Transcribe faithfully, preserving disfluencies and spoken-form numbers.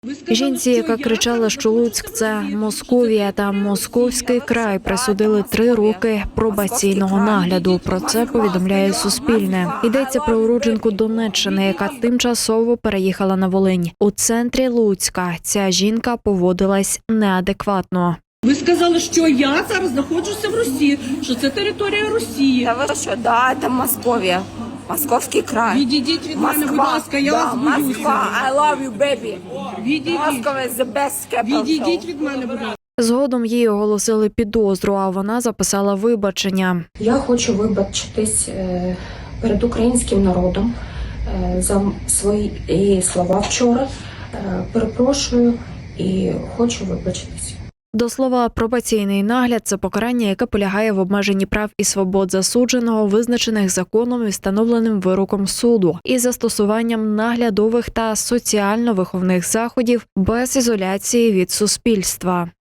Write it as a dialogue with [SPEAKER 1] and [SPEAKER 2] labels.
[SPEAKER 1] Жінці, яка кричала, що Луцьк – це Московія та Московський край, присудили три роки пробаційного нагляду. Про це повідомляє Суспільне. Йдеться про уродженку Донеччини, яка тимчасово переїхала на Волинь. У центрі Луцька ця жінка поводилась неадекватно.
[SPEAKER 2] Ви сказали, що я зараз знаходжуся в Росії, що це територія Росії.
[SPEAKER 3] Та ви що, да, це Московія, Московський край.
[SPEAKER 2] Відійдіть від мене, будь ласка, я
[SPEAKER 3] да,
[SPEAKER 2] вас боюся.
[SPEAKER 3] Москва, I love you, baby.
[SPEAKER 2] Відійдіть.
[SPEAKER 3] Moscow is the best capital.
[SPEAKER 2] Відійдіть від мене, будь ласка.
[SPEAKER 1] Згодом їй оголосили підозру, а вона записала вибачення.
[SPEAKER 4] Я хочу вибачитись е, перед українським народом е, за свої слова вчора. Е, Перепрошую і хочу вибачитись.
[SPEAKER 1] До слова, пробаційний нагляд – це покарання, яке полягає в обмеженні прав і свобод засудженого, визначених законом і встановленим вироком суду, і застосуванням наглядових та соціально-виховних заходів без ізоляції від суспільства.